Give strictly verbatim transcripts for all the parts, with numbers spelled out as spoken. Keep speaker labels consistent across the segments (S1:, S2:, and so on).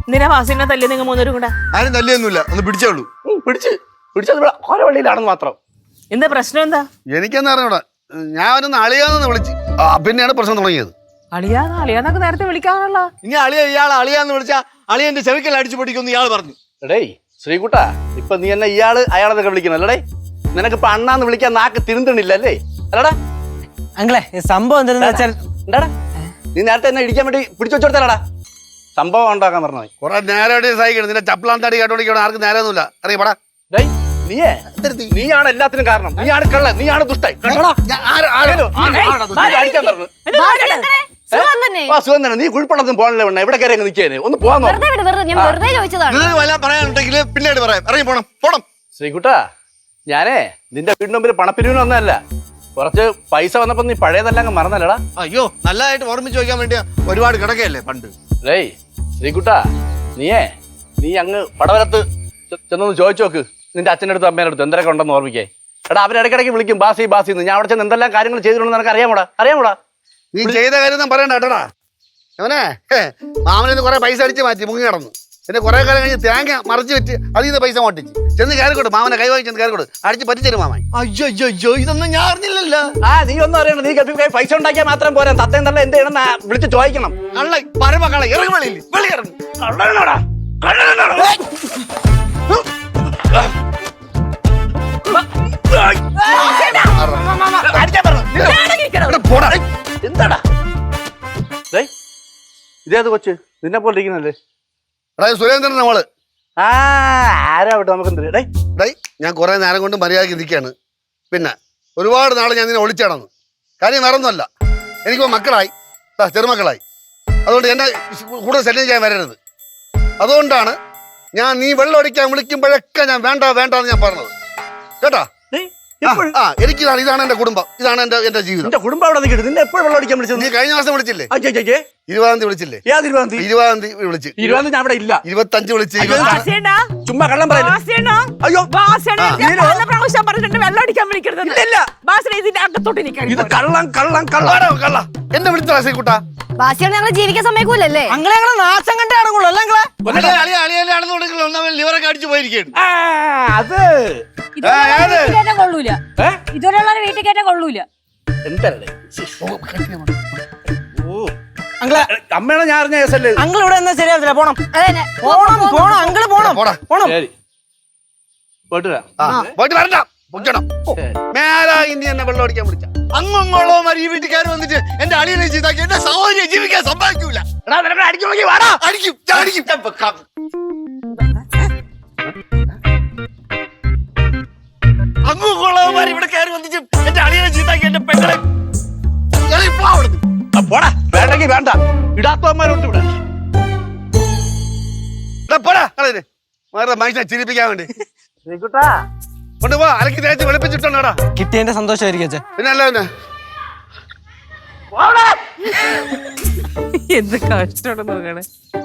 S1: എന്തിനാ വാസിനെ തല്ലി നിങ്ങൾ മൂന്നൂരും കൂടെ?
S2: ആരും തല്ലിയൊന്നുമില്ല, ഒന്ന് പിടിച്ചോളൂ.
S3: പിടിച്ച് പിടിച്ചത് ഓരവള്ളിയിലാണെന്ന് മാത്രം.
S1: എന്താ പ്രശ്നം? എന്താ
S2: എനിക്കെന്താ അറിഞ്ഞൂടാ, ഞാൻ ഒന്ന് അളിയാന്ന് വിളിച്ച് പിന്നെയാണ് പ്രശ്നം തുടങ്ങിയത്.
S1: അളിയാന്ന് അളിയാന്നൊക്കെ നേരത്തെ വിളിക്കാനുള്ള.
S2: ഇനി അളിയ ഇയാൾ അളിയാന്ന് വിളിച്ചാ അളിയന്റെ ചെവിക്കൽ അടിച്ചു പൊട്ടിക്കൊന്ന് ഇയാൾ പറഞ്ഞു.
S3: എടേ ശ്രീകുട്ടാ, ഇപ്പൊ നീ എന്നെ ഇയാള് അയാളെന്നൊക്കെ വിളിക്കണല്ലേ? നിനക്കിപ്പൊ അണ്ണാന്ന് വിളിക്കാൻ നാക്ക് തിരുന്തണില്ല അല്ലേ? അല്ലടാ
S4: അങ്ങളെ സംഭവം എന്താണെന്ന് വെച്ചാൽ
S3: എന്താടാ നീ നേരത്തെ എന്നെ ഇടിക്കാൻ വേണ്ടി പിടിച്ചു വെച്ചോടത്തല്ലടാ സംഭവം ഉണ്ടാക്കാൻ പറഞ്ഞത്.
S2: കുറെ നേരം സഹിക്കണം, നിന്റെ ചപ്പലാൻ തടി കേട്ടോണ്ടിരിക്കണം, ആർക്കും നേരമൊന്നുമില്ല. അറിയപ്പെടാ
S3: നീയേ നീയാണ് എല്ലാത്തിനും കാരണം. നീയാണ് കള്ളൻ, നീയാണ് ദുഷ്ടൻ. സുഖം തന്നെ. നീ കുഴിപ്പള്ളത്തിന് പോകണല്ലേ വേണ്ട, എവിടെ കയറി നിൽക്കേനെ? ഒന്ന് പോവാൻ
S2: പറയാനുണ്ടെങ്കിൽ പിന്നീട് പറയാം. ഇറങ്ങി പോണം പോണം.
S3: ശ്രീകുട്ടാ, ഞാനേ നിന്റെ വീടിന് മുമ്പിൽ പണപ്പിരിവിന് വന്നതല്ല, കുറച്ച് പൈസ വന്നപ്പോ നീ പഴയതെല്ലാം അങ്ങ് മറന്നല്ലടാ.
S2: അയ്യോ, നല്ലതായിട്ട് ഓർമ്മിച്ച് വയ്ക്കാൻ വേണ്ടിയാ, ഒരുപാട് കിടക്കയല്ലേ പണ്ട്.
S3: ഡേയ് ശ്രീകുട്ടാ, നീയേ നീ അങ്ങ് പടവലത്ത് ചെന്നൊന്ന് ചോദിച്ചു നോക്ക് നിന്റെ അച്ഛൻ്റെ അടുത്ത് അമ്മേൻ്റെ അടുത്ത് എന്തൊക്കെ ഉണ്ടെന്ന് ഓർമ്മിക്കേ. എടാ അവരിടയ്ക്കിടയ്ക്ക് വിളിക്കും ബാസി ബാസി എന്ന്. ഞാൻ അവിടെ ചെന്ന് എന്തെല്ലാം കാര്യങ്ങൾ ചെയ്തിട്ടുണ്ടെന്ന് നിനക്ക് അറിയാമൂടാ? അറിയാമൂടാ?
S2: നീ ചെയ്ത കാര്യം പറയണ്ട കേട്ടോടാ. അവനെ മാമനെ കുറെ പൈസ അടിച്ച് മാറ്റി മുങ്ങി കിടന്നു. പിന്നെ കുറെ കാലം കഴിഞ്ഞ് തേങ്ങ മറിച്ച് വെച്ച് അതിൽ നിന്ന് പൈസ മോട്ടിച്ച് ചെന്ന് കയറിക്കോട്ട്, മാമനെ കൈവാങ്ങി ചെന്ന് കയറിക്കോട്ട് അടിച്ച് പറ്റിച്ചേരും മാമൻ. അയ്യോ അയ്യോ അയ്യോ, ഇതൊന്നും ഞാൻ അറിഞ്ഞില്ലല്ലോ.
S3: ആ നീ ഒന്നും അറിയണം, നീ ഗൾഫിൽ പോയി പൈസ ഉണ്ടാക്കിയാൽ മാത്രം പോരാ, തത്തേം തള്ള എന്ത് ചെയ്യണം വിളിച്ച് ചോദിക്കണം.
S2: കള്ള പരമ കള്ള ഇറങ്ങി വെളിയിൽ വെളി ഇറങ്ങി
S3: കള്ളനാടാ എന്താടാ ഇതേത് കൊച്ച് നിന്നെ പോലെ ഇരിക്കുന്നല്ലേ?
S2: സുരേന്ദ്രൻ നമ്മള്.
S3: ആ ആരാ വിട്ടോ നമുക്ക് എന്ത്
S2: ഡേ, ഞാൻ കുറെ നേരം കൊണ്ട് മര്യാദയ്ക്ക് ഇരിക്കുകയാണ്. പിന്നെ ഒരുപാട് നാളെ ഞാൻ നിന്നെ ഒളിച്ചടന്നു. കാര്യം വേറൊന്നുമല്ല, എനിക്കിപ്പോ മക്കളായി, ചെറുമക്കളായി. അതുകൊണ്ട് എന്നെ കൂടുതൽ ശല്യം ചെയ്യാൻ വരരുത്. അതുകൊണ്ടാണ് ഞാൻ നീ വെള്ളം അടിക്കാൻ വിളിക്കുമ്പോഴൊക്കെ ഞാൻ വേണ്ട വേണ്ട എന്ന് ഞാൻ പറഞ്ഞത് കേട്ടാ. ആ എനിക്കിതാണ്, ഇതാണ് എന്റെ കുടുംബം, ഇതാണ് എന്റെ എന്റെ ജീവിതം.
S3: എന്റെ കുടുംബം അവിടെ നിൽക്കട്ടെ. നിന്നെ എപ്പോഴും വെള്ളം അടിക്കാൻ വിളിച്ചത്?
S2: നീ കഴിഞ്ഞ മാസം വിളിച്ചില്ലേ? ഇരുപതാം തീയതി വിളിച്ചില്ലേ?
S3: ഇരുപതാം തീയതി
S2: ഇരുപതാം തീയതി വിളിച്ച്.
S3: ഇരുപതാം തീയതി ഞാൻ അവിടെ ഇല്ല.
S2: ഇരുപത്തഞ്ച് വിളിച്ച്.
S3: ചുമ്മാ കള്ളം പറയുന്നു. അയ്യോ
S1: വെള്ളം അടിക്കാൻ വിളിക്കരുത്.
S3: ഇത് കള്ളം കള്ളം കള്ളം കള്ള
S2: എന്നെ വിളിച്ചോ ശ്രീകുട്ടാ.
S5: ബാസിയാണ് ഞങ്ങളെ ജീവിക്കാൻ സമ്മതിക്കൂലല്ലേ?
S4: അങ്ങളെ ഞങ്ങളെ നാശം കണ്ടാണല്ലോ അല്ലേ?
S2: ലിവറൊക്കെ അടിച്ചു പോയിരിക്കുന്നു.
S3: അത്
S5: കൊള്ളൂല, ഇതുവരെയുള്ള വീട്ടിൽ കയറ്റാൻ കൊള്ളൂല.
S3: എന്തല്ലേ അമ്മയാണ് ഞാൻ അറിഞ്ഞ കേസല്ലേ?
S4: അങ്കിൾ ഇവിടെ എന്നാ ശരിയാവത്തില്ല, പോണം പോണം പോണം അങ്കിള് പോണം പോണം.
S3: പോയിട്ട് വരാം.
S2: പോയിട്ട് വരണ്ട, പൊക്കണം. മേലാ ഇനി എന്നെ വെള്ളം അടിക്കാൻ വിളിച്ച അങ്ങോളോ ഈ വീട്ടുകാർ വന്നിട്ട് എന്റെ അളിയനെ ചെയ്താക്കി എന്റെ സഹോദരിയെ ജീവിക്കാൻ സമ്മതിക്കൂല.
S3: അടിക്കും വാടാ,
S2: അടിക്കും അടിക്കും. അങ്ങോളോമാർ ഇവിടെ കയറി വന്നിട്ട് എന്റെ അളിയനെ ചെയ്താക്കി എന്റെ പെങ്ങളെ
S3: പോടാ. വേണ്ടെങ്കിൽ വേണ്ട, ഇടാത്തവന്മാരുണ്ട് ഇവിടെ.
S2: പോടാ കളെ മനുഷ്യനെ ചിരിപ്പിക്കാൻ വേണ്ടി കൊണ്ടുപോ. അലക്കി തേച്ച് വെളുപ്പിച്ചിട്ടുണ്ടോടാ.
S4: കിട്ടിയതിന്റെ സന്തോഷമായിരിക്കും അച്ഛാ.
S2: പിന്നെ അല്ല പിന്നെ
S1: എന്ത് കഷ്ടം നോക്കണേ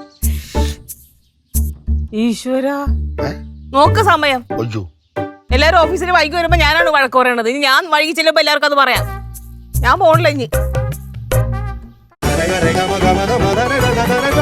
S1: ഈശ്വര. നോക്ക് സമയം. എല്ലാരും ഓഫീസിൽ വൈകി വരുമ്പോ ഞാനാണ് വഴക്ക് പറയണത്. ഇനി ഞാൻ വൈകി ചെല്ലുമ്പോ എല്ലാവർക്കും അത് പറയാം. ഞാൻ പോണില്ല ഇനി.